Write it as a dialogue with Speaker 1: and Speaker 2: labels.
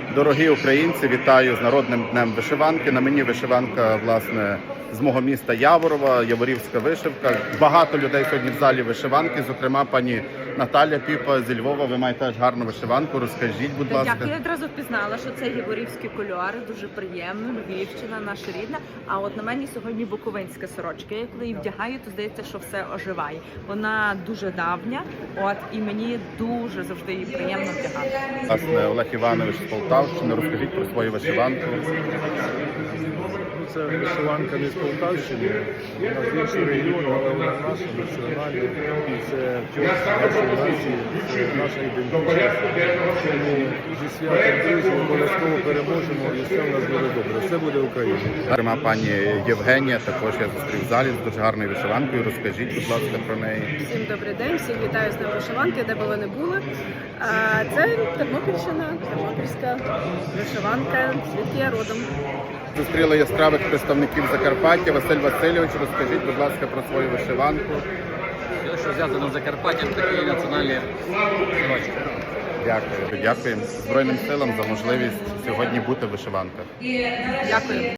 Speaker 1: Дорогі українці, вітаю з Народним днем вишиванки. На мені вишиванка, власне, з мого міста Яворова, яворівська вишивка. Багато людей сьогодні в залі вишиванки, зокрема пані Наталя Піпа зі Львова. Ви маєте теж гарну вишиванку, розкажіть, будь ласка.
Speaker 2: Дякую, я одразу впізнала, що це яворівські кольори, дуже приємно, Львівщина, наша рідна. А от на мені сьогодні буковинська сорочка. Я коли її вдягаю, то здається, що все оживає. Вона дуже давня, і мені дуже завжди її приємно вдягати.
Speaker 1: Власне, Олег Іванович з Полтавщини, розкажіть про свою вишиванку.
Speaker 3: Це вишиванка не з Полтавщини, вона з іншого регіону, але вона наша, національна, і це нашої нації, це наша ідентичність. Тому зі святом, друзі, обов'язково переможемо, і все в нас буде добре. Все буде Україна.
Speaker 1: Зокрема, пані Євгенія, також я зустрів в залі з дуже гарною вишиванкою. Розкажіть, будь ласка, про неї.
Speaker 4: Всім добрий день, всіх вітаю з Днем вишиванки, де б ви не були. Це Тернопільщина, тернопільська вишиванка, звідки я родом.
Speaker 1: Зустріли яскравих представників Закарпаття. Василь Васильович, розкажіть, будь ласка, про свою вишиванку.
Speaker 5: Що зв'язано з Закарпаттям, такі національні сорочки.
Speaker 1: Дякую. Дякуємо Збройним силам за можливість сьогодні бути в вишиванках.
Speaker 2: Дякую.